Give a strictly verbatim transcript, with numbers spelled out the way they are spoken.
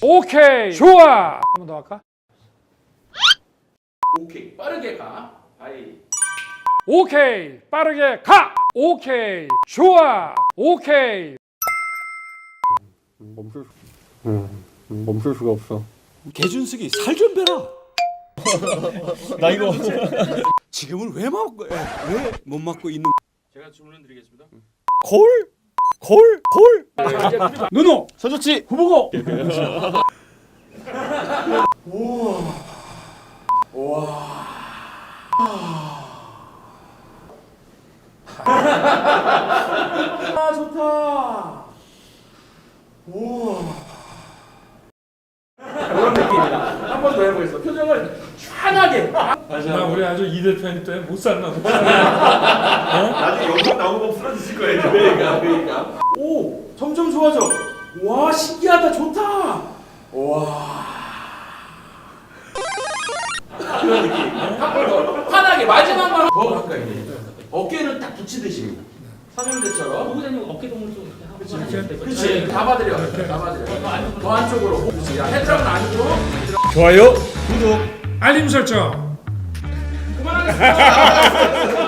오케이. 좋아. 한 번 더 할까? 오케이. 빠르게 가. 아이. 오케이. 빠르게 가. 오케이. 좋아. 오케이. 멈출 수, 음, 멈출 수가 없어. 개준석이 살 좀 빼라. 나 이거 지금은 왜 맞고 왜 못 맞고 있는? 제가 주문을 드리겠습니다. 골? 골? 골? 누누. 서주치 후보고. 아 좋다. 오. 이런 느낌이다. 한 번 더 해보겠어. 표정을 환하게. 나 우리 아주 이 대표님 때문에 못 살나 보다. 나중에 영상 나오고 쓰러지실 거예요. 그러니까 그러니까. 오 점점 좋아져. 와 신기하다. 좋다. 와. 그런 느낌. 한 번 더. 환하게 마지막만 더 가까이. 어깨를 딱 붙이듯이. 삼형제처럼. 후보자님 어깨 동물 좀 이렇게 하고 그렇지. 잡아드려. 잡아드려. 더 안쪽으로. 그렇지. 야, 헤드락은 아니고. 좋아요. 구독. 알림 설정. 그만하겠습니다.